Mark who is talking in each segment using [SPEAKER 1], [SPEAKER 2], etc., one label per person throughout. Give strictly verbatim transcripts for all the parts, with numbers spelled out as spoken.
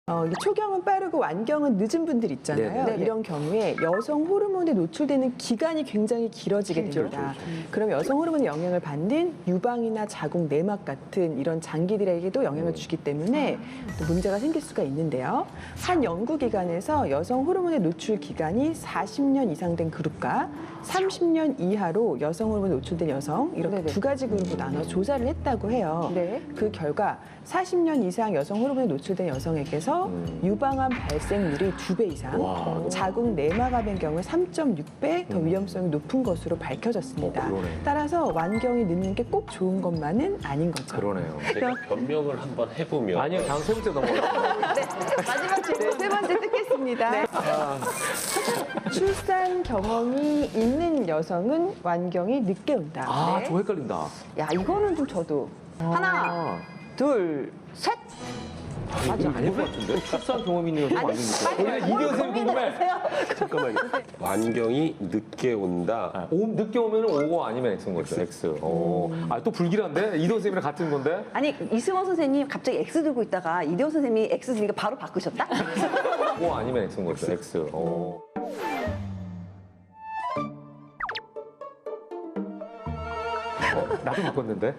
[SPEAKER 1] 어, 이 초경은 빠르고 완경은 늦은 분들 있잖아요.
[SPEAKER 2] 네네.
[SPEAKER 1] 이런 경우에 여성 호르몬에 노출되는 기간이 굉장히 길어지게
[SPEAKER 2] 길죠.
[SPEAKER 1] 됩니다.
[SPEAKER 2] 그렇죠, 그렇죠.
[SPEAKER 1] 그럼 여성 호르몬의 영향을 받는 유방이나 자궁 내막 같은 이런 장기들에게도 영향을 주기 때문에 또 문제가 생길 수가 있는데요. 한 연구기관에서 여성 호르몬의 노출 기간이 사십 년 이상 된 그룹과 삼십 년 이하로 여성 호르몬에 노출된 여성 이렇게
[SPEAKER 2] 네네.
[SPEAKER 1] 두 가지 그룹으로 나눠 조사를 했다고 해요.
[SPEAKER 2] 네.
[SPEAKER 1] 그 결과 사십 년 이상 여성 호르몬에 노출된 여성에게서
[SPEAKER 3] 음.
[SPEAKER 1] 유방암 발생률이 두 배 이상,
[SPEAKER 3] 와.
[SPEAKER 1] 자궁 내막암의 경우에 삼 점 육 배 더 위험성이 높은 것으로 밝혀졌습니다.
[SPEAKER 3] 어, 그러네.
[SPEAKER 1] 따라서 완경이 늦는 게 꼭 좋은 것만은 아닌 거죠.
[SPEAKER 3] 그러네요.
[SPEAKER 4] 제가 변명을 한번 해보면
[SPEAKER 3] 아니요, 다음 세 번째 넘어가겠습니다.
[SPEAKER 2] 마지막 질문.
[SPEAKER 1] 네, 세 번째 듣겠습니다.
[SPEAKER 2] 네.
[SPEAKER 1] 출산 경험이 있는 여성은 완경이 늦게 온다.
[SPEAKER 3] 아,
[SPEAKER 2] 네.
[SPEAKER 3] 저 헷갈린다.
[SPEAKER 2] 야, 이거는 좀 저도. 하나,
[SPEAKER 3] 아,
[SPEAKER 2] 둘, 셋.
[SPEAKER 3] 맞아, 아닐 것 같은데? 출산 경험 있는 여성 완전 늦게. 원래 이대호 선생님 궁금해.
[SPEAKER 4] 잠깐만요. 완경이 늦게 온다.
[SPEAKER 3] 아, 오, 늦게 오면 오고 아니면 X인 거죠, X. 어. 아, 또 불길한데? 이대호 선생님이랑 같은 건데?
[SPEAKER 2] 아니, 이승원 선생님 갑자기 X 들고 있다가 이대호 선생님이 X 드니까 바로 바꾸셨다?
[SPEAKER 3] O 아니면 X인 거죠, X. 어. 어, 나도 바꿨는데?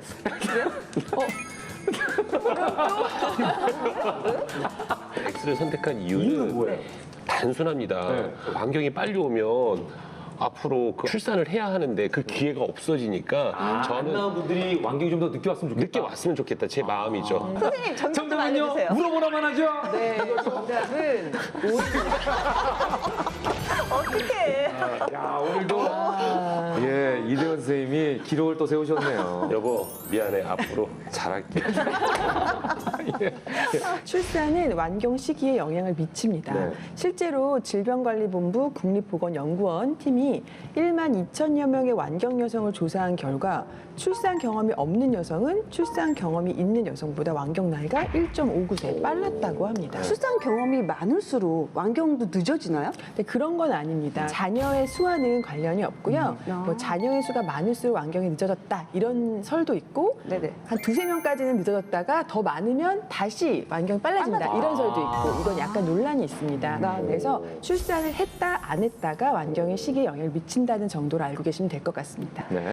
[SPEAKER 4] X를 선택한
[SPEAKER 3] 이유는
[SPEAKER 4] 이유는
[SPEAKER 3] 뭐예요?
[SPEAKER 4] 단순합니다.
[SPEAKER 3] 네.
[SPEAKER 4] 완경이 빨리 오면 앞으로 그 출산을 해야 하는데 그 기회가 없어지니까
[SPEAKER 3] 안
[SPEAKER 4] 저는
[SPEAKER 3] 나온 분들이 완경이 좀 더 늦게 왔으면 좋겠다.
[SPEAKER 4] 늦게 왔으면 좋겠다. 제 마음이죠.
[SPEAKER 2] 선생님, 정답 좀
[SPEAKER 3] 정답은요?
[SPEAKER 2] 알려주세요.
[SPEAKER 3] 물어보라만 하죠?
[SPEAKER 1] 네, 정답은
[SPEAKER 2] 어떡해.
[SPEAKER 3] 야, 오늘도 예, 이대원 선생님이 기록을 또 세우셨네요.
[SPEAKER 4] 여보 미안해. 앞으로 잘할게.
[SPEAKER 1] 출산은 완경 시기에 영향을 미칩니다.
[SPEAKER 3] 네.
[SPEAKER 1] 실제로 질병관리본부 국립보건연구원 팀이 일만 이천여 명의 완경 여성을 조사한 결과 출산 경험이 없는 여성은 출산 경험이 있는 여성보다 완경 나이가 일 점 오구 세 빨랐다고 합니다.
[SPEAKER 2] 출산 경험이 많을수록 완경도 늦어지나요?
[SPEAKER 1] 근데 그런 건 아닙니다. 자녀의 수와는 관련이 없고요.
[SPEAKER 2] 음.
[SPEAKER 1] 뭐 자녀의 수가 많을수록 완경이 늦어졌다 이런 설도 있고
[SPEAKER 2] 네네.
[SPEAKER 1] 한 두세 명까지는 늦어졌다가 더 많으면 다시 완경이 빨라진다 이런 설도 있고 이건 약간 논란이 있습니다. 그래서 출산을 했다 안 했다가 완경의 시기에 영향을 미친다는 정도로 알고 계시면 될 것 같습니다.
[SPEAKER 3] 네.